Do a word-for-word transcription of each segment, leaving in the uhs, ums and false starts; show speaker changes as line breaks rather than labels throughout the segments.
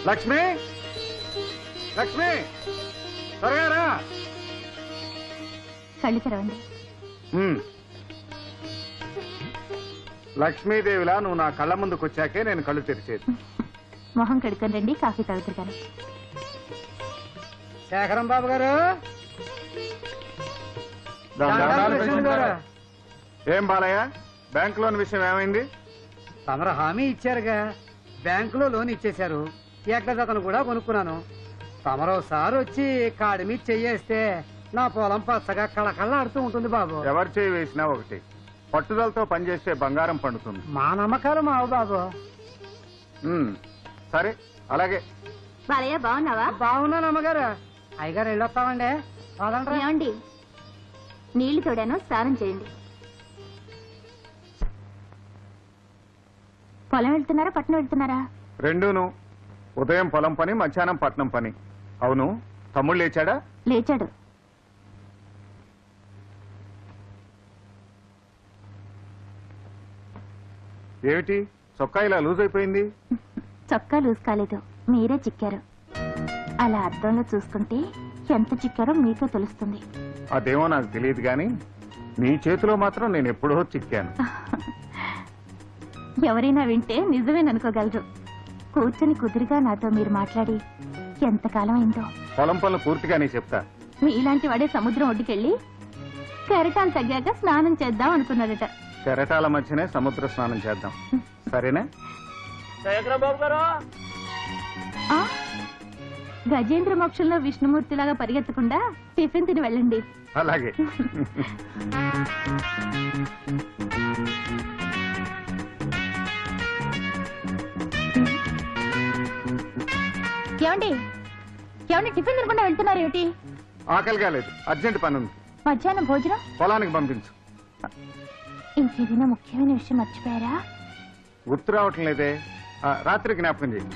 లక్ష్మి లక్ష్మి త్వరగా రా.
కళ్ళు తెరవండి.
లక్ష్మీదేవిలా నువ్వు నా కళ్ళ ముందుకు వచ్చాకే నేను కళ్ళు తెరిచేది.
మొహం కడుక్కొని రండి, కాఫీ తాగుతాను.
శేఖరం బాబు గారు,
ఏం బాలయ్య, బ్యాంక్ లోన్ విషయం ఏమైంది?
తమరు హామీ ఇచ్చారుగా, బ్యాంకులో లోన్ ఇచ్చేశారు. ఏకజతను కూడా కొనుక్కున్నాను. తమరోసారి వచ్చి కాడి మీద చెయ్యేస్తే నా పొలం పచ్చగా కళకళలాడుతూ ఉంటుంది బాబు.
ఎవరు చేయి వేసినా ఒకటి, పట్టుదలతో పనిచేస్తే బంగారం పండుతుంది.
మా నమ్మకాలు మావు బాబు.
సరే అలాగే.
బాలయ్య బాగున్నావా?
బాగున్నాను అమ్మగారు. అయ్యగారు వెళ్ళొస్తామండి.
ఏమండి, నీళ్లు తోడాను, స్నానం చేయండి. పొలం వెళ్తున్నారా పట్నం వెళ్తున్నారా?
రెండూను. ఉదయం పొలం పని, మధ్యాహ్నం పట్నం పని. అవును, తమ్ముడు లేచాడా?
లేచాడు.
ఏమిటి చొక్కా ఇలా లూజ్ అయిపోయింది?
చొక్కా లూజ్ కాలేదు, మీరే చిక్కారు. అలా అద్దంలో చూసుకుంటే ఎంత చిక్కారో మీకే తెలుస్తుంది.
అదేమో నాకు తెలియదు గాని నీ చేతిలో మాత్రం నేను ఎప్పుడో చిక్కాను.
ఎవరైనా వింటే నిజమేననుకోగలరు. కూర్చొని కుదురుగా నాతో మీరు మాట్లాడి ఎంతకాలం అయిందో.
పొలం పనులు పూర్తిగానే చెప్తా.
మీలాంటి వాడే సముద్రం ఒడ్డుకెళ్ళి కెరటాలు తగ్గాక స్నానం చేద్దాం అనుకున్నాడట.
కెరటాల మధ్యనే సముద్ర స్నానం చేద్దాం, సరేనా?
గజేంద్ర మోక్షంలో విష్ణుమూర్తిలాగా పరిగెత్తకుండా టిఫిన్ తిని వెళ్ళండి.
అలాగే.
ఏమండి ఏమండి టిఫిన్ తినకుండా వెళ్తున్నారు ఏమిటి?
ఆకలి కాలేదు, అర్జెంట్ పని ఉంది.
మధ్యాహ్నం భోజనం
పొలానికి పంపించు.
ఇంకేదైనా ముఖ్యమైన విషయం మర్చిపోయారా?
గుర్తు రావటం లేదే. రాత్రి జ్ఞాపకం చేయి.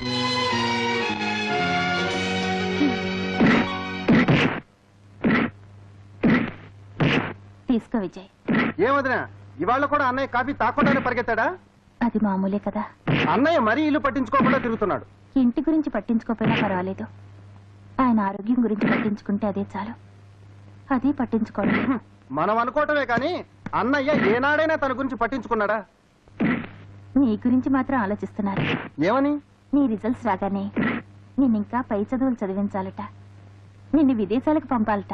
తీసుకో విజయ్.
ఏమదినా, ఇవాళ కూడా అన్నయ్య కాఫీ తాకుండానే పరిగెత్తాడా?
అది మామూలే కదా.
అన్నయ్య మరీ ఇల్లు పట్టించుకోకుండా తిరుగుతున్నాడు.
ఇంటి గురించి పట్టించుకోకపోయినా పర్వాలేదు, ఆయన ఆరోగ్యం గురించి పట్టించుకుంటే అదే చాలు. అదే పట్టించుకోండి.
మనం అనుకోవటమే కానీ అన్నయ్య ఏనాడైనా తన గురించి పట్టించుకున్నాడా?
నీ గురించి మాత్రం ఆలోచిస్తున్నారు.
ఏమని?
నీ రిజల్ట్స్ రాగానే నిన్ను ఇంకా పై చదువులు చదివించాలట, నిన్ను విదేశాలకు పంపాలట.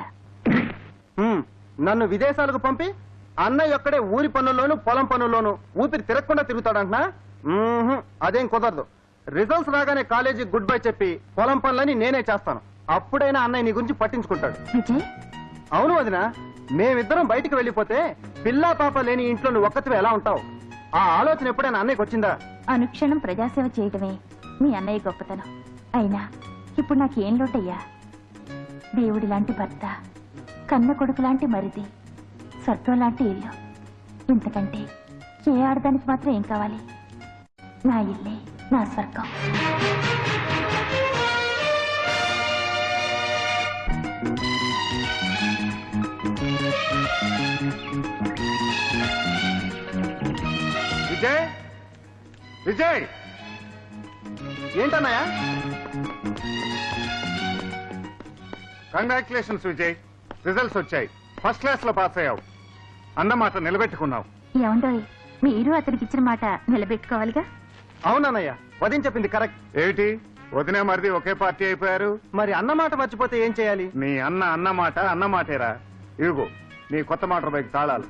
నన్ను విదేశాలకు పంపి అన్నయ్య ఒక్కడే ఊరి పనుల్లోనూ పొలం పనుల్లోనూ ఊపిరి తిరగకుండా తిరుగుతాడంటున్నా? అదేం కుదరదు. రిజల్ట్స్ రాగానే కాలేజీ గుడ్ బై చెప్పి పొలం పనులని నేనే చేస్తాను. అప్పుడైనా అన్నయ్య నీ గురించి పట్టించుకుంటాడు.
విజయ్,
అవును వదినా, మేమిద్దరం బయటికి వెళ్ళిపోతే పిల్లా పాప లేని ఇంట్లో నువ్వు ఒక్కతివే ఎలా ఉంటావు? ఆ ఆలోచన ఎప్పుడైనా అన్నయ్యకి వచ్చిందా?
అనుక్షణం ప్రజాసేవ చేయడమే మీ అన్నయ్య గొప్పతనం. అయినా ఇప్పుడు నాకేం లోటయ్యా? దేవుడి లాంటి భర్త, కన్న కొడుకు లాంటి మరిది, స్వర్గం లాంటి ఇల్లు. ఇంతకంటే ఏ ఆడదానికి మాత్రం ఏం కావాలి? నా ఇల్లే నా స్వర్గం.
విజయ్, విజయ్,
ఏంటన్నయ్య?
కంగ్రాచులేషన్స్ విజయ్, రిజల్ట్స్ వచ్చాయి. ఫస్ట్ క్లాస్ లో పాస్ అయ్యావు. అన్నమాట నిలబెట్టుకున్నావు.
ఏమండోయ్, మీరు అతనికి ఇచ్చిన మాట నిలబెట్టుకోవాలిగా.
అవునన్నయ్య, వదిన చెప్పింది కరెక్ట్.
ఏమిటి వదినే మరిది ఒకే పార్టీ అయిపోయారు?
మరి అన్నమాట మర్చిపోతే ఏం చేయాలి?
నీ అన్న అన్నమాట అన్నమాటేరా. ఇదిగో నీ కొత్త మోటార్ బైక్ తాళాలు.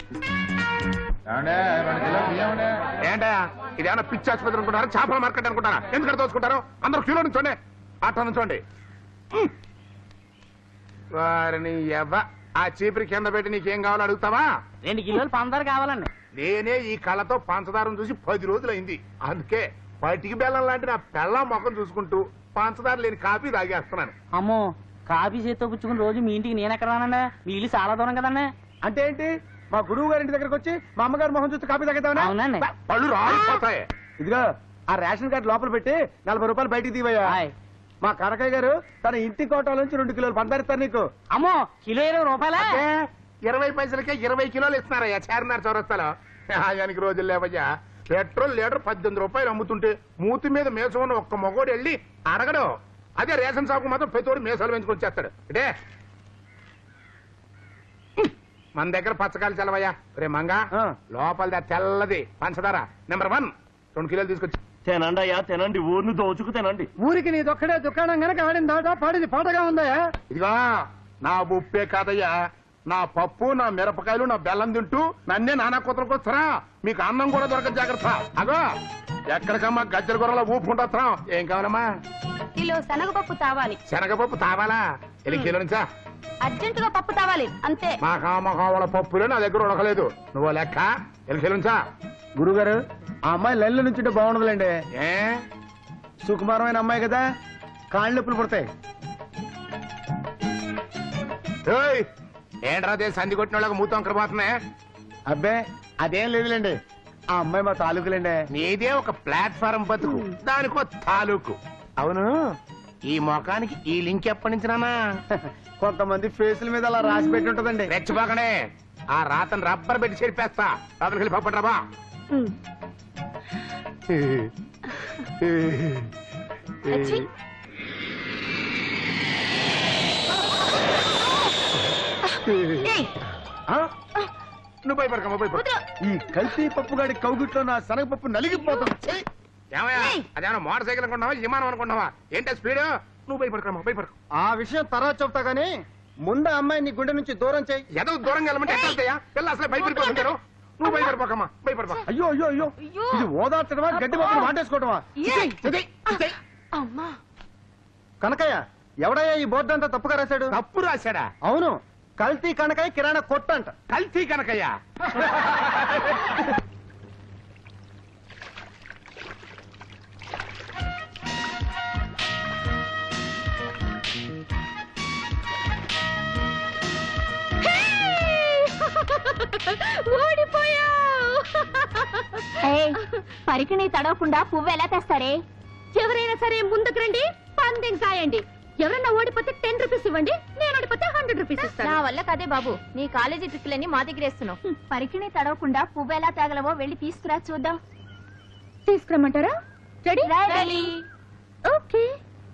ఏంటా ఇదేమన్నా పిచ్చి ఆసుపత్రి అనుకుంటారా, చేపల మార్కెట్ అనుకుంటారా? ఎందుకంటే దోచుకుంటారు? అందరూ క్యూలో నుంచోండి, ఆటో నుంచోండి. వారిని ఎవ ఆ చీపురి కింద పెట్టి నీకేం కావాలో అడుగుతావా?
రెండు కిలోలు పంచదార కావాలండి.
నేనే ఈ కళ్ళతో పంచదారం చూసి పది రోజులైంది. అందుకే పటికి బెల్లం లాంటి నా పెళ్ళం మొఖం చూసుకుంటూ పంచదార లేని కాఫీ తాగేస్తున్నాను.
అమ్మో, కాఫీ చేత్తో పుచ్చుకుని రోజు మీ ఇంటికి నేను ఎక్కడ రానండి? మీ ఇల్లు చాలా దూరం కదండి.
అంటే ఏంటి? మా గురువు గారి ఇంటి దగ్గరకు వచ్చి మా అమ్మగారు మొహం చూస్తే కాపీ తాగేద్దామని?
అవునండి.
పళ్ళు రాలిపోతాయి.
ఇదిగో ఆ రేషన్ కార్డు లోపల పెట్టి నలభై రూపాయలు బయటికి తీవయ్యా. మా కనకయ్య గారు తన ఇంటి కోటాల నుంచి రెండు కిలోలు పందారిస్తారు నీకు.
అమ్మో, కిలో ఇరవై రూపాయలే?
ఇరవై పైసలకే ఇరవై కిలోలు ఇస్తున్నారయ్యా చార్మినార్ చౌరస్తాలో. ఆయనకి రోజులు లేవయ్యా. పెట్రోల్ లీటర్ పద్దెనిమిది రూపాయలు అమ్ముతుంటే మూతి మీద మేసం ఉన్న ఒక్క మగోడు వెళ్ళి అడగడు. అదే రేషన్ షాప్ మాత్రం ప్రతివాడు మేసాలు పెంచుకొని చేస్తాడు. అంటే మన దగ్గర పచ్చకాయలు చల్లవయ్యా. రే మంగా లోపల తెల్లది పంచదార నెంబర్ వన్ రెండు కిలోలు తీసుకొచ్చి
తినండి అయ్యా తినండి, ఊరిని దోచుకు తినండి.
ఊరికి నీదొక్కడే దుకాణం గనక ఆడిన దాట పాడిది పాటగా ఉందయా.
ఇదిగో నా ఉప్పే కాదయ్యా, నా పప్పు నా మిరపకాయలు నా బెల్లం తింటూ నన్నే నానా కూతురికి వస్తారా? మీకు అన్నం కూడా దొరకదు, జాగ్రత్త. అగో ఎక్కడికమ్మా గజ్జల కూరలో ఊపు ఉంటున్నాం. ఏం కావాలమ్మా?
కిలో శనగపప్పు తావాలి.
శనగపప్పు తావాలా? ఎల్లి కిలో నుంచా?
అర్జెంటుగా పప్పు తావాలి అంతే.
మా కామకావల పప్పులే నా దగ్గర ఉడకలేదు. నువ్వు లెక్క ఎల్లి కిలో నుంచా?
గురుగారు ఆ అమ్మాయి లెల్లు నుంచి బాగుండదులేండి.
ఏ
సుకుమారమైన అమ్మాయి కదా, కాళ్ళు నొప్పులు పుడతాయి.
ఏయ్, ఏంట్రా సంధి కొట్టిన వాళ్ళకి మూతం పోతున్నాయి.
అబ్బే అదేం లేదులేండి, ఆ అమ్మాయి మా తాలూకులేండి.
నీదే ఒక ప్లాట్ఫారం బతుకు, దానికో తాలూకు. అవును, ఈ మొఖానికి ఈ లింక్ ఎప్పటి నుంచి నానా?
కొంతమంది ఫేసుల మీద అలా రాసి పెట్టి ఉంటదండి.
రెచ్చిపోకనే, ఆ రాతను రబ్బర్ పెట్టి చెరిపేస్తా. రాత్రికి వెళ్ళి పప్పటి రాబా. నువ్వు భయపడకమ్మా, భయపడ.
ఈ కల్తీ పప్పుగాడి కౌగిట్లో నా శనగపప్పు నలిగిపోతుంది.
ఏమయ్యా, అదేమన్నా మోటార్ సైకిల్ అనుకుంటున్నావా, విమానం అనుకుంటున్నావా? ఏంటో స్పీడ్? నువ్వు భయపడకమ్మా, భయపడకు.
ఆ విషయం తర్వాత చెప్తా గానీ ముందు అమ్మాయి నీ గుండె నుంచి దూరం చేయి.
ఏదో దూరంగా వెళ్ళమంటే ఎట్లా వెళ్తాయా? పిల్ల అసలే భయపడిపోతుంటారు. నువ్వు భయపడిపోకమ్మా, భయపడపా.
అయ్యో అయ్యో అయ్యో, ఇది ఓదార్చడమా గడ్డి పప్పులు వాటేసుకోవటమా? కనకయ్య ఎవడయ్యా ఈ బోర్డు అంతా తప్పుగా రాశాడు?
తప్పు రాశాడా?
అవును, కల్తీ కనకయ్య కిరాణా కొట్టంట.
కల్తీ కనకయ్యా?
పరికిణి తడవకుండా పువ్వు ఎలా తెస్తారే? ఎవరైనా సరే ముందుకు రండి, పందెం కాయండి. ఎవరైనా ఓడిపోతే టెన్ రూపీస్ ఇవ్వండి, నేను ఓడిపోతే హండ్రెడ్ రూపీస్ ఇస్తాను. నా వల్ల కదే బాబు, నీ కాలేజీ ట్రిప్లన్నీ మా దగ్గర వేస్తున్నావు. పరికిణి తడవకుండా పువ్వు ఎలా తేగలవో వెళ్ళి తీసుకురా చూద్దాం. తీసుకురమ్మంటారా? రెడీ? రెడీ. ఓకే.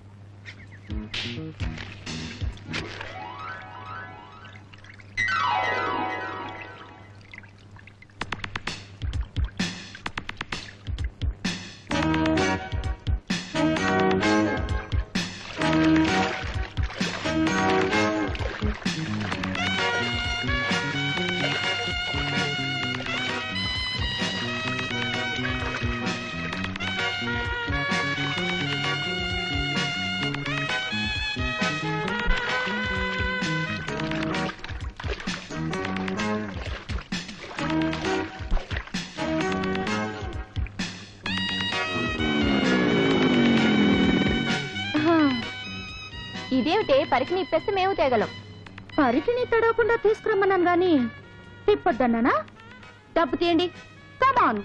ఇదేమిటే, పరికిని ఇప్పేస్తే మేము తేగలం. పరికిని తడవకుండా తీసుకురమ్మన్నాను గాని తిప్పొద్దన్నానా? డబ్బు తీయండి, కమాన్.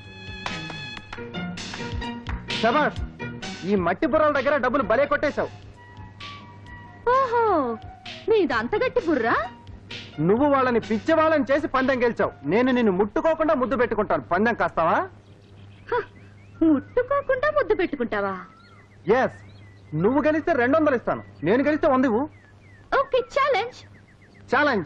శబాష్, ఈ మట్టి బుర్రల దగ్గర డబ్బులు భలే కొట్టేశావు.
ఓహో, నీది అంత గట్టి బుర్రా?
నువ్వు వాళ్ళని పిచ్చి వాళ్ళని చేసి పందెం గెలిచావు. నేను నిన్ను ముట్టుకోకుండా ముద్దు పెట్టుకుంటాను. పందెం కాస్తావా?
ముట్టుకోకుండా ముద్దు పెట్టుకుంటావా?
ఎస్, నువ్వు గెలిస్తే రెండు వందలు ఇస్తాను, నేను గెలిస్తే వంద ఇవ్వు.
Okay, challenge.
ఛాలెంజ్.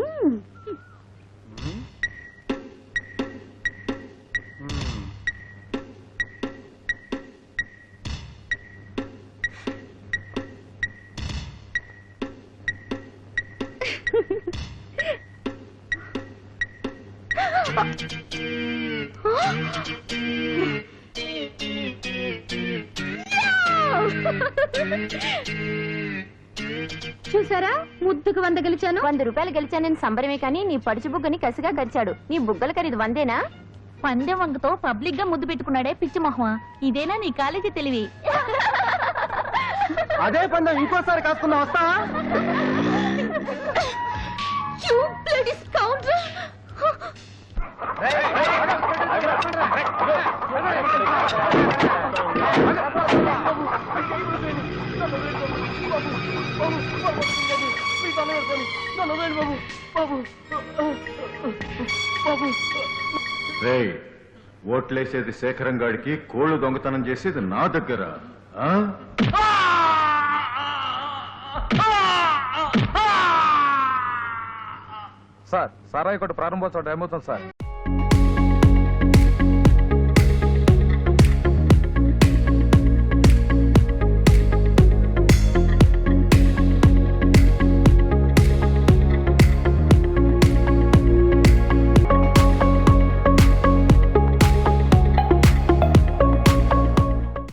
చూసారా, ముద్దుకు వంద గెలిచాను. వంద రూపాయలు గెలిచానని సంబరమే కానీ నీ పడుచు బుగ్గని కసిగా కరిచాడు. నీ బుగ్గల ఖరీదు వందేనా? పందెం వంగతో పబ్లిక్ గా ముద్దు పెట్టుకున్నాడే పిచ్చి మొహమా. ఇదేనా నీ కాలేజీ తెలివి?
అదే పందెం ఇంకోసారి కాసుకున్నా వస్తావా?
ఓట్లేసేది శేఖరం గాడికి, కోళ్లు దొంగతనం చేసేది నా దగ్గర. ఆ?
సార్ సారాయి కొట్టు ప్రారంభోత్సవం టైం అవుతుంది సార్.